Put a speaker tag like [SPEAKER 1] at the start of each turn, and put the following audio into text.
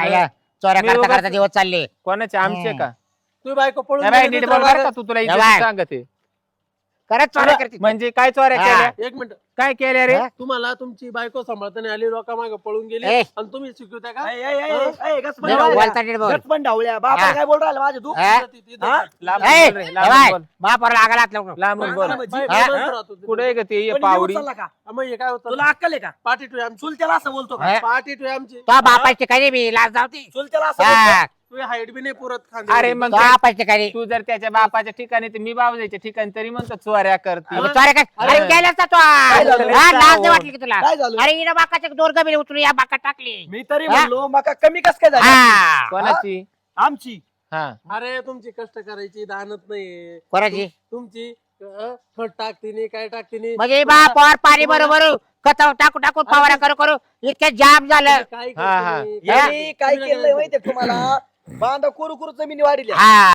[SPEAKER 1] आया चोऱ्या करता करता दिवस चालले
[SPEAKER 2] कोणाचे आमचे का
[SPEAKER 3] तू बायको पळून
[SPEAKER 2] नाही बाई,
[SPEAKER 3] गेली,
[SPEAKER 2] नीट
[SPEAKER 3] दुसरा
[SPEAKER 2] बोल बरं का
[SPEAKER 3] बाबा-
[SPEAKER 2] तू तुला
[SPEAKER 1] या बाय.
[SPEAKER 2] इज्जत सांगते
[SPEAKER 1] खरंच चोऱ्या करते
[SPEAKER 2] म्हणजे काय चोऱ्या
[SPEAKER 1] हा.
[SPEAKER 2] केल्या
[SPEAKER 3] एक मिनिट
[SPEAKER 2] काय केल्या रे
[SPEAKER 1] हा?
[SPEAKER 3] तुम्हाला तुमची बायको सांभाळताना आली लोकांमागे पळून गेली
[SPEAKER 1] ए.
[SPEAKER 3] आणि तुम्ही शिकवता का
[SPEAKER 1] बोलता नीट बोल
[SPEAKER 4] बाबा काय बोल राहिला माझ्या तू
[SPEAKER 1] हा?
[SPEAKER 3] ती- ती- ती-
[SPEAKER 4] हा?
[SPEAKER 2] लांब
[SPEAKER 1] ए,
[SPEAKER 2] बोल रे,
[SPEAKER 1] ए
[SPEAKER 2] लांब
[SPEAKER 1] बाय,
[SPEAKER 2] बोल.
[SPEAKER 1] बापाला आगाला हात लावू नको.
[SPEAKER 2] लांबून बोल
[SPEAKER 3] बाई- बाई
[SPEAKER 1] हा?
[SPEAKER 3] बोलत राहतो ते.
[SPEAKER 2] कुठे ग ते
[SPEAKER 4] पण
[SPEAKER 2] पावडी
[SPEAKER 4] निघून चालला का?
[SPEAKER 3] मग हे काय होतं
[SPEAKER 4] तुला अक्कल आहे का
[SPEAKER 3] पार्टी टू आमची
[SPEAKER 4] चुलत्याला असं बोलतो का
[SPEAKER 1] हा?
[SPEAKER 3] पार्टी टू आमची
[SPEAKER 1] तो बापाची ठिकाणी मी लाज जावती
[SPEAKER 4] चुलत्याला असं बोलतो?
[SPEAKER 3] तू हाईट बी नाही पुरत
[SPEAKER 2] अरे मग
[SPEAKER 1] तो बापाच्या ठिकाणी
[SPEAKER 2] तू जर त्याच्या बापाच्या ठिकाणी तर मी बाबाच्या ठिकाणी तरी म्हणतो चोऱ्या करते
[SPEAKER 1] अरे चोऱ्या काय अरे
[SPEAKER 2] अरे.
[SPEAKER 1] केल्यास ना तो
[SPEAKER 4] काय झालं?
[SPEAKER 1] हा, लाज नाही वाटली की तुला
[SPEAKER 4] काय झालं?
[SPEAKER 1] अरे हिनं बाकाच्या दोर गमिले उचलून या बाका टाकली
[SPEAKER 4] मी तरी
[SPEAKER 1] हा?
[SPEAKER 4] म्हणलो मका कमी कस काय झाली
[SPEAKER 1] हा
[SPEAKER 2] कोणाची
[SPEAKER 4] आमची
[SPEAKER 2] हा
[SPEAKER 3] अरे तुमची कष्ट करायची दानत नाही
[SPEAKER 1] कोणाची
[SPEAKER 3] तुमची खत टाकते नाही काय टाकते नाही
[SPEAKER 1] म्हणजे बापावर पाणी बरोबर खत टाकू टाकून फवारा करू करू इतक्या जाम झालं
[SPEAKER 3] काय
[SPEAKER 2] हा, हा.
[SPEAKER 3] करते नाही.
[SPEAKER 4] यांनी काय केलंय माहितीये का तुम्हाला बांधा कुरकुर जमिनी वाढली
[SPEAKER 1] हा